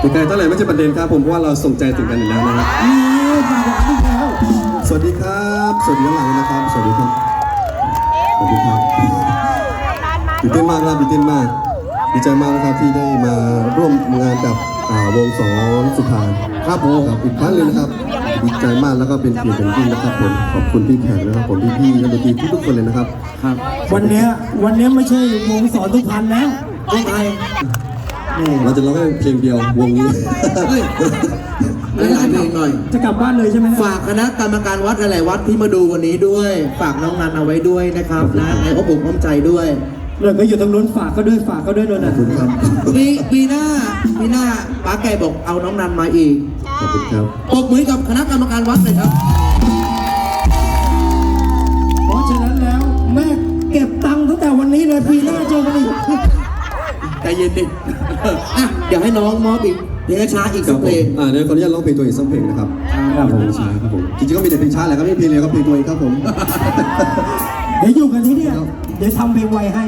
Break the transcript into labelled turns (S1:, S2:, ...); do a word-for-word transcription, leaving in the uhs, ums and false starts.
S1: แต่ไกลเท่าไหร่ไม่ใช่ประเด็นครับผมเพราะว่าเราส่งใจถึงกันอยู่แล้วนะครับ
S2: นี่มาหวานอีกแล้ว
S1: สวัสดีครับสวัสดีทั้งหลังนะครับ สวัสดีครับสวัสดีครับตื่นเต้นมากครับตื่นเต้นมากดีใจมากนะครับที่ได้มาร่วมงานกับอ่าวงสองสุพรรณครับผมครับอีกครั้งหนึงนะครับดีใจมากแล้วก็เป็นเกียรติอย่างยิ่งนะครับผมขอบคุณพี่แขกนะครับผมพี่ๆนักดนตรีทุกๆคนเลยนะครับ
S2: ครับวันเนี้ยวันเนี้ยไม่ใช่วงสอนทุกพันแล้ววงไทยนี่
S1: เราจะร้องแค่เพลงเดียววงนี้
S3: เฮ้ยหลายๆเพลงหน่อย
S2: จะกลับบ้านเลยใช่ไหม
S3: ฝากคณะกรรมการวัดหลายๆวัดที่มาดูวันนี้ด้วย ฝากน้องนันเอาไว้ด้วยนะครับนะในพระผมพร้อมใจด้วย
S2: เลยก็อยู่ตรงนู้นฝากก็ด้วยฝากก็ด้วยด้วยนะ
S1: ขอบคุณครับ
S3: ปีปีหน้าปีหน้าป้าแกบอกเอาน้องนันมาอีก
S1: ขอบคุณครับ
S3: ปรบมือกับคณะกรรมการวัดเลยครับ
S2: เพราะฉะนั้นแล้วแม่เก็บตังค์ตั้งแต่วันนี้เลยปีหน้าเจอกันอีก
S3: ใจเย็นดิ อ่ะเดี๋ยวให้น้องมอบอีกเพลงช้าอีก
S1: ค
S3: สั
S1: รั
S3: ก
S1: บ
S3: เพ
S1: ผ
S3: ล
S1: ม
S3: ง
S1: อ่าเดี๋ยวขออนุญาตร้องเพลงตัวเองสักเพลงนะครับ
S2: ครับผม
S1: เพลงช้าครับผมจริงๆก็มีแต่เพลงช้าแหละครับไม่มีเพลงเร็วก็เพลงตัวเองครับผม
S2: เดี๋ยวอยู่กันที่เนี่ยเดี๋ยวทำเพลงไวให้